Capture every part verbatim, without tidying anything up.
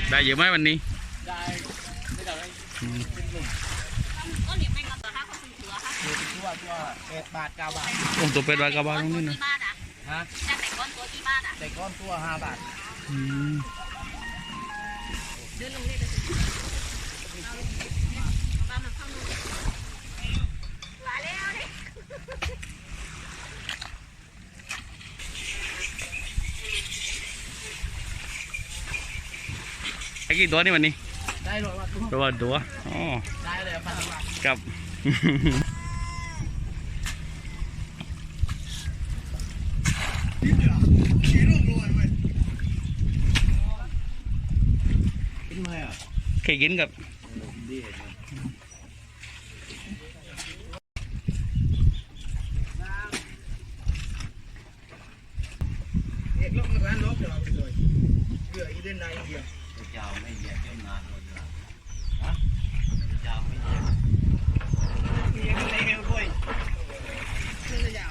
ได้เยอะไหมวันนี้ได้ไม่ได้เป็นหลุมก็เหนียวเป็นกับตัวห้าคนถือค่ะตัวตัวตัวแปดบาทเก้าบาทโอ้ตัวเป็ดบาทเก้าบาทตรงนี้นะฮะแต่แต่ก้อนตัวที่บ้านอ่ะแต่ก้อนตัวห้าบาทเดินลงนี่เลยบ้านมันเข้านู่นมาแล้วดิไอ้กี่ตัวนี่วันนี้ได้เลยว่าตัวตัวตัวอ๋อได้เลยพันบาทกับเคยกินกับเอกลบมาบ้านลบเดี๋ยวเอาไปเลยเบื่ออีเดนได้เดียวเจ้าไม่เยอะเจ้านานเลยฮะเจ้าไม่เยอะมีอะไรเงี้ยด้วยเรื่องยาว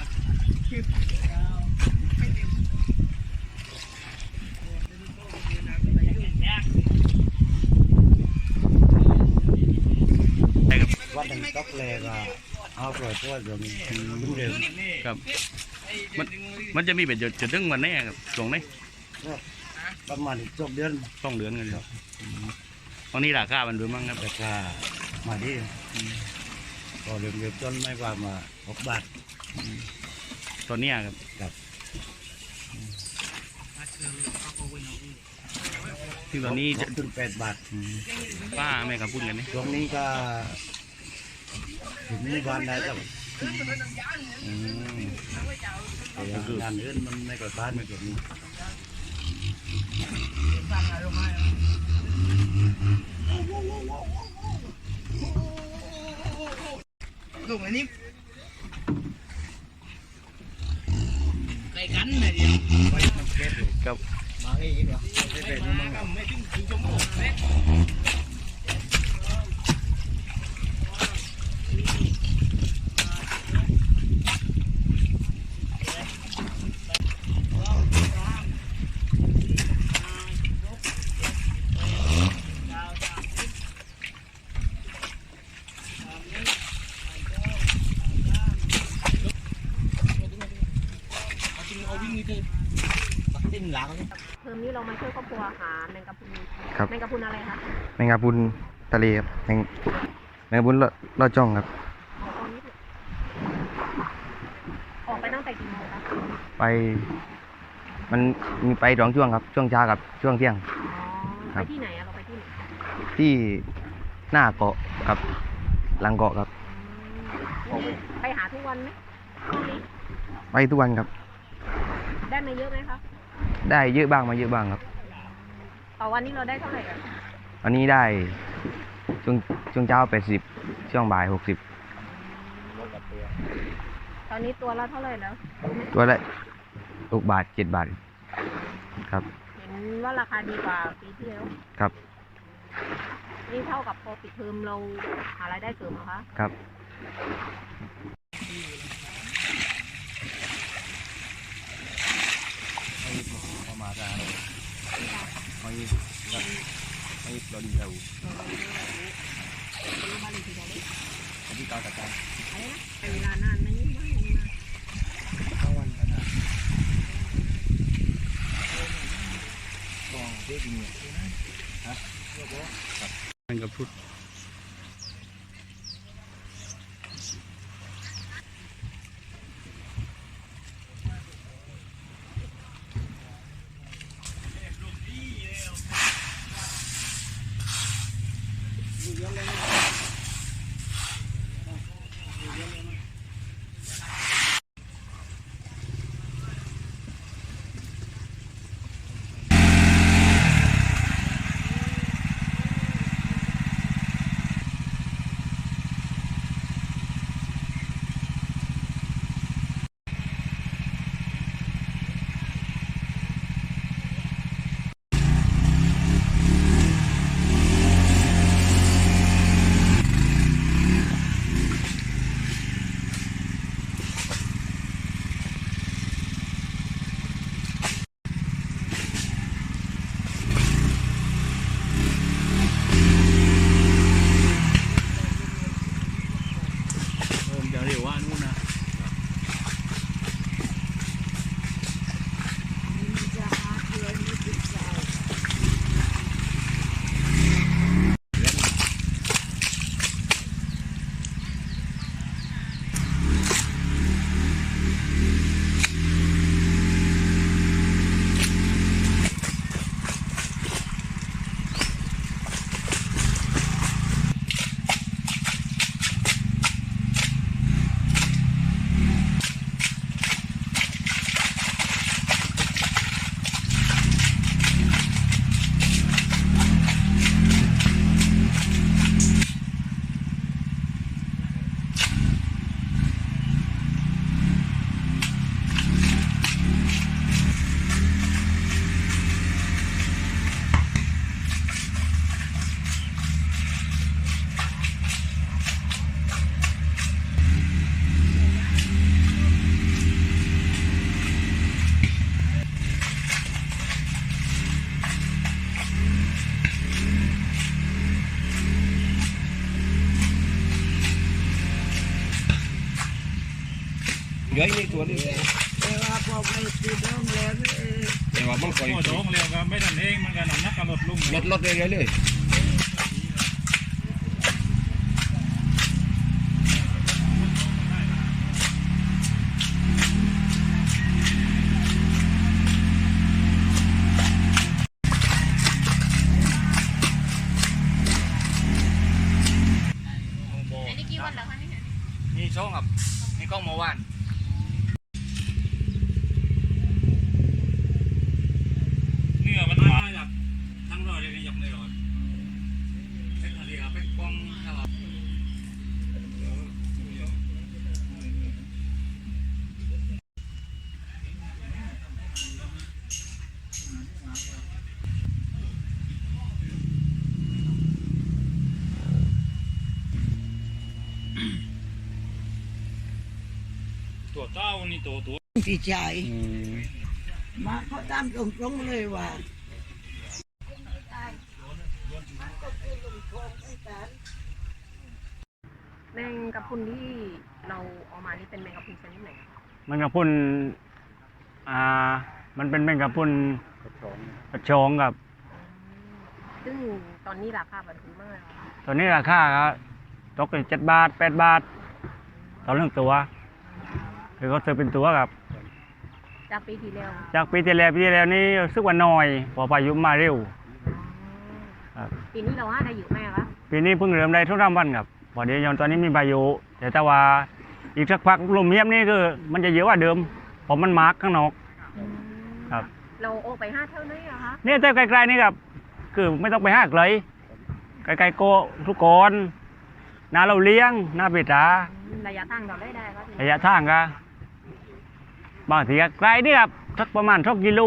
วัดหนึ่งต๊อกเลยก็เอาปล่อยตัวเดี๋ยวมันเร็วครับมันมันจะมีเป็นจุดจุดถึงวันนี้ครับตรงนี้ประมาณสองเดือนสองเดือนกันครับตอนนี้ราคามันดูมั่งครับราคามาที่ก็เร็วๆจนไม่ว่ามาหกบาทตอนนี้ครับครับที่ตอนนี้จะถึงแปดบาทป้าแม่กับพูดกันนี่ตรงนี้ก็ถึงหมู่บ้านได้ครับงานเรื่องมันไม่ก่อบ้านไม่เกิดนี้ลูกอันนี้ไก่กันเลยเดียวกับมาไอ้ยี่เหรอไม่เป็นมึงไม่ถึงถึงชั่วโมงเลยเทอมนี้เรามาช่วยครอบครัวหาแมงกะพรุนแมงกะพรุนอะไรคะแมงกะพรุนทะเลครับแมงแมงกะพรุนลอดจ้องครับออกไปตั้งแต่กี่โมงคะไปมันมีไปสองช่วงครับช่วงเช้ากับช่วงเที่ยงไปที่ไหนอะเราไปที่ไหนที่หน้าเกาะครับหลังเกาะครับไปหาทุกวันไหมช่วงนี้ไปทุกวันครับได้มาเยอะไหมคะได้เยอะบ้างมาเยอะบ้างครับต่อวันนี้เราได้เท่าไหร่กันวันนี้ได้ช่วงช่วงเช้าแปดสิบช่วงบ่ายหกสิบตอนนี้ตัวละเท่าไหร่แล้วตัวละหกบาทเจ็ดบาทครับเห็นว่าราคาดีกว่าปีที่แล้วครับนี่เท่ากับพอปิดเทอมเราหารายได้เสริมเหรอคะครับมาได้ไม่ไม่ไม่เราดีเราอันนี้เก่าแต่กันอะไรนะเวลานานไหมนี่ไม่มาเข้าวันกันนะตองเท่ดีเนี่ยฮะแมงกะพรุนเหลืออีกตัวนึงแต่ว่าพอไปตีดองแล้วนี่แต่ว่ามันก็โอ้โหเร็วก็ไม่ทันเองมันก็น้ำหนักก็ลดลงลดลดเรื่อยๆเลยอันนี้กี่วันแล้วคะนี่มีโชคครับมีกล้องเมื่อวานเนื้อมันมาจากทั้งร้อยเลยยกเลยหรอเป็นอะไรครับเป็นกล้องตลอด ตัวเต้านี่ตัวตัวพี่ชายมาเขาตามตรงๆเลยว่าแมงกะพรุนที่เราเอามานี่เป็นแมงกะพรุนชนิดไหนแมงกะพรุนอ่ามันเป็นแมงกะพรุนกระชองครับซึ่งตอนนี้ราคาแบบนี้มากเลยค่ะตัวนี้ราคาครับตกเป็นเจ็ดบาทแปดบาทต่อเรื่องตัวคือเขาซื้อเป็นตัวครับจากปีที่แล้วจากปีที่แล้วปีที่แล้วนี่รู้สึกว่าน้อยเพอพายุมาเร็วครับปีนี้เราหาได้เยอะไหมคะปีนี้เพิ่งเริ่มได้ทุกรามวันครับพอดียอนตอนนี้มีพายุแต่ถ้าว่าอีกสักพักลมเงียบนี่คือมันจะเยอะกว่าเดิมเพราะมันมาร์กข้างนอกครับเราโอไปห้าเท่าไหร่อะคะนี่แต่ไกลๆนี่ครับคือไม่ต้องไปห้าไกลไกลๆโกทุกคน นาเราเลี้ยงนาปิดาระยะทางเราได้ได้ครับระยะทางก็บางทีก็ไกลนี่ครับสักประมาณสักกิโล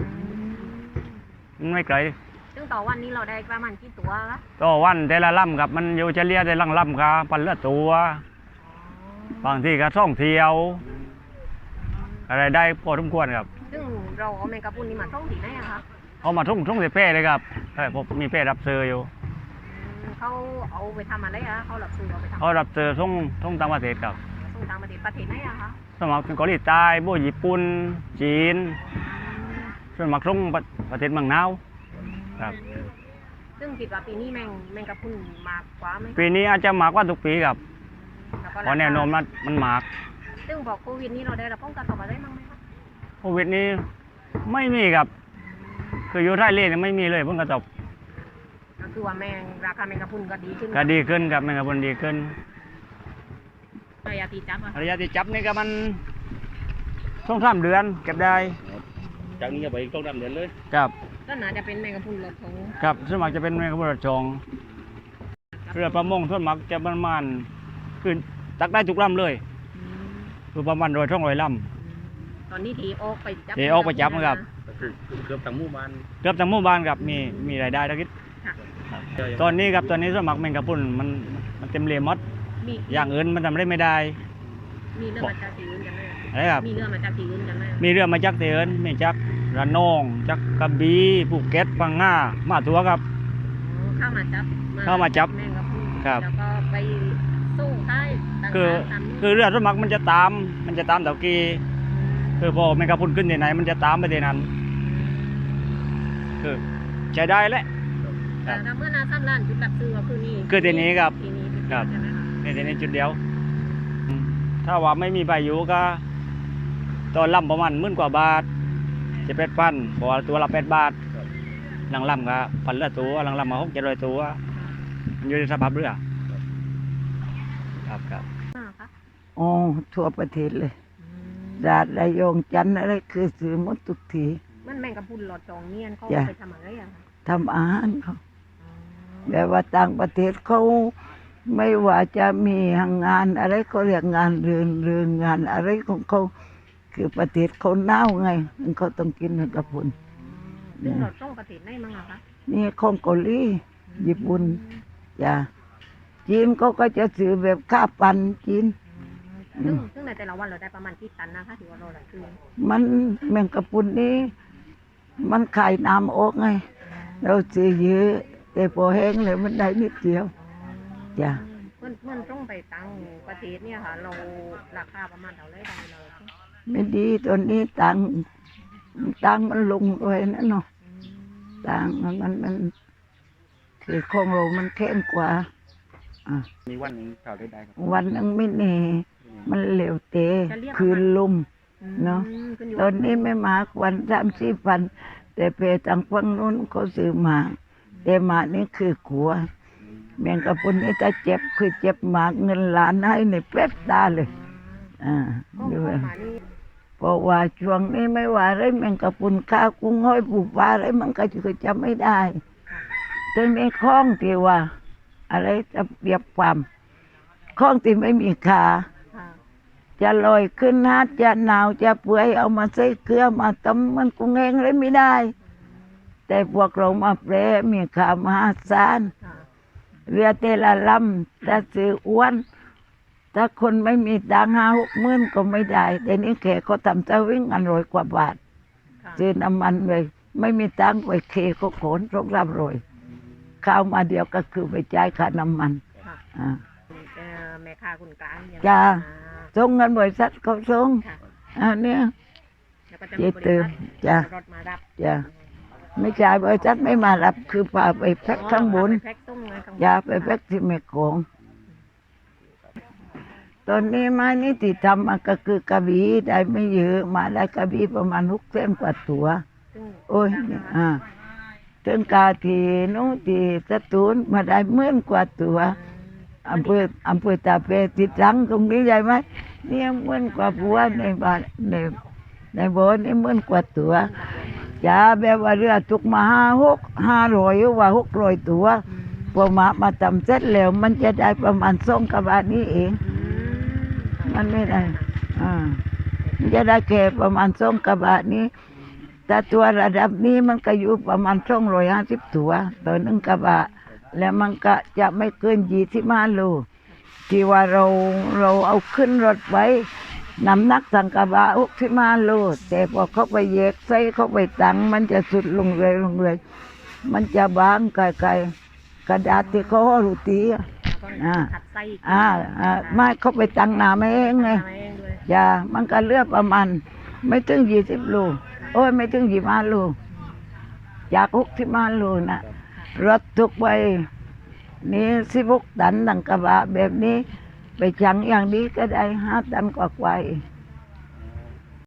มันไม่ไกลซึ่งต่อวันนี้เราได้ประมาณกี่ตัวคะต่อวันแต่ละลำครับมันอยู่เฉลี่ยแต่ละลำก็พันละตัว บางทีก็ท่องเที่ยว อะไรได้พอสมควรครับซึ่งเราเอาแมงกะพรุนนี่มาท่องที่ไหนอะคะเขามาท่องท่องเสียเป้เลยครับใช่ผมมีเป้รับเซอร์อยู่เขาเอาไปทำอะไรอะเขาหลับซื้อเอาไปทำเขารับเซอร์ท่องท่องต่างประเทศครับส่งต่างประเทศประเทศไหนอะคะสมัครเป็นเกาหลีใต้พวกญี่ปุ่นจีนส่วนมากท่องประเทศเมืองหนาวครับซึ่งคิดว่าปีนี้แมงแมงกะพรุนมากกว่าไหมปีนี้อาจจะมากกว่าทุกปีครับแล้วก็เพราะแนวโน้มมันมันมากซึ่งบอกโควิดนี้เราได้รับผลกระทบอะไรบ้างไหมคะโควิดนี้ไม่มีครับ คืออยู่ไทยเล่นไม่มีเลยผลกระทบก็คือว่าแมงราคาแมงกะพรุนก็ดีขึ้นก็ดีขึ้นครับแมงกะพรุนดีขึ้นระยะตีจับอะระยะที่จับนี่ก็มันสองสามเดือนเก็บได้จากนี้ไปต้องดำเดือนเลยครับก็น่าจะเป็นแมงกะพรุนรสของครับส่วนมากจะเป็นแมงกะพรุนจองเรือประมงส่วนมากจะประมาณคือตักได้ทุกลำเลยคือประมาณร้อยท่องร้อยลตอนนี้ทีออกไปจับทีออกไปจับนะครับเกือบทั้งหมู่บ้านำเกือบทั้งหมู่บ้านครับมีมีรายได้ทั้งคิดตอนนี้ครับตอนนี้ส่วนมากแมงกะพรุนมันมันเต็มเลยหมดมีอย่างอื่นมันทำได้ไม่ได้มีเรือมาจากที่อื่นกันไหมอะไรครับมีเรือมาจากที่อื่นกันไหมมีเรือมาจากเตือนมีจากระนองจากกระบี่ภูเก็ตพังงามาทัวครับเข้ามาจับเข้ามาจับแมงกะพรุนครับแล้วก็ไปสู้ใต้ต่างคือๆตามนี้คือเรือสวนมัครมันจะตาม มันจะตามเต่ากีคือพอแมงกะพรุนขึ้นที่ไหนมันจะตามไปที่นั้นคือใช้ได้แหละ ครัแต่บถ้าเมื่อนาซ้ำล้านจุดรับซื้อก็คือนี่คือที่นี้ครับที่นี้ครับใช่ไหมคะในที่นี้จุดเดียวอืมถ้าว่าไม่มีพายุก็ตอนลำประมาณหมื่นกว่าบาทจะเป็ดพันเพราะว่าตัวละแปดบาทหลังลำก็พันละตัวหลังลำมาหกเจ็ดร้อยตัวมันอยู่ในสภาพเรือครับครับอ่าคะอ๋อทั่วประเทศเลยอืมดาดระยองจันทร์อะไรคือซื้อหมดทุกทีมันแมงกะพรุนหลอดจองเนียนเขาจ้ะไปทำอะไรอะคะทำอาหารเขาอ๋อแบบว่าต่างประเทศเขาไม่ว่าจะมีงานอะไรเขาเรียกงานเรือนเรือนงานอะไรของเขาคือประเทศเขาหนาวไงเขาต้องกินแมงกะพรุนซึ่งเราต้องประเทศไหนมั้งอะคะนี่ของเกาหลีญี่ปุ่นจ้ะจีนเขาก็จะซื้อแบบข้าวปันจีนซึ่งซึ่งในแต่ละวันเราได้ประมาณกี่ตันนะคะถือว่าเราหลายคือมันแมงกะพรุนนี่มันขายน้ำออกไง เราซื้อเยอะแต่พอแห้งเลยมันได้นิดเดียวจ้ะคมันมันต้องไปตังประเทศเนี่ยค่ะ เราราคาประมาณเท่าไรได้เราไม่ดีตอนนี้ตังค์ตังค์มันลงด้วยนะเนาะอืมตังค์มันมันมันคือของเรามันแข็งกว่าอ่ะมีวันหนึงเท่าได้ได้ครับวันนึงไม่แน่มันเหลวเตะจะเรียกคืนลมอืมเนาะขึ้ยู่ตอนนี้ไม่มากวันสามสี่พันแต่เพทางฝั่งนู้นเขาซื้อมาแต่หมากนี่คือกลัวแมงกะพรุนนี่ถ้าเจ็บคือเจ็บหมากเงินล้านให้ในแป๊บตาเลยอ่าก็ด้เข้าวยมานี่เพราะว่าช่วงนี้ไม่ว่าอะไรแมงกะพรุนข้าวกุ้งห้อยปูปลาอะไรมันก็จะจำไม่ได้ถึงในคล้องที่ว่า อะไรจะเปรียบความคล้องที่ไม่มีขาค่ะจะลอยขึ้นฮัดจะหนาวจะเปื่อยเอามาใส่เกลือมาตำมันกุ้งเองเลยไม่ได้ แต่พวกเรามาแปรมีขามหาศาลค่ะเรือเตละลำถ้าซื้ออ้วนถ้าคนไม่มีตังค์ห้าหกหมื่นก็ไม่ได้แต่นี้แขกเขาทำจะวิ่งอันร้อยกว่าบาทค่ะซื้อน้ำมันเลยไม่มีตังค์ไปเคก็โขนรกรับรอยข้าวมาเดียวก็คือไปจ่ายค่าน้ำมันค่ะอ่าเอ่อแม่ค้าคนกลางเนี่ยจ้าอ่าส่งเงินบริษัทเขาส่งค่ะอันเนี้ยแล้วก็จะเจมีบเติริมษัทจ้ะรถมารับจ้ะ ไม่จ่ายบริษัทไม่มารับคือพาไปแพ็คข้างบนอ๋อไปแพ็คส่งเลยข้างบนยาไปแพ็คที่แม่กลองตอนนี้ไม้นี่ที่ทำมาก็คือกระบี่ได้ไม่เยอะมาได้กระบี่ประมาณหกเส้นกว่าตัวซึ่งโอ้ยเนี่ยอ่าถึงกาทีนู้นที่สตูลมาได้หมื่นกว่าตัวอำเภออำเภอตาเปติดรังตรงนี้ใหญ่ไหมเนี่ยหมื่นกว่าบัวในบ้านในในบ่อนี่หมื่นกว่าตัวจ้าแบบว่าเรือทุกมาห้าหกห้าร้อยว่าหกร้อยตัวพอมามาทำเสร็จแล้วมันจะได้ประมาณสองกระบะนี้เอง มันไม่ได้อ่ามันจะได้แค่ประมาณสองกระบะนี้ แต่ตัวระดับนี้มันก็อยู่ประมาณสองร้อยห้าสิบตัวต่อหนึ่งกระบะ แล้วมันก็จะไม่เกินยี่สิบห้าโลที่ว่าเราเราเอาขึ้นรถไว้น้ำหนักสังกระบะหกสิบห้าโลแต่พอเขาไปแยกใส่เขาไปตังมันจะสุดลงเลยลงเลยมันจะบางไกลๆกระดาษที่เขาห่อโรตีอะ อ่าขัดไส้กอ่าอ่าไม่เขาไปตังหนาไม่เองไงทำเองด้วยอย่ามันก็เลือกประมาณไม่ถึงยี่สิบโลโอ้ยไม่ถึงยี่สิบห้าโลจากหกสิบห้าโลนะรถทุกไปนี่สิบหกตันดังกระบะแบบนี้ ไปจังอย่างนี้ก็ได้ห้าตันกว่าๆเอง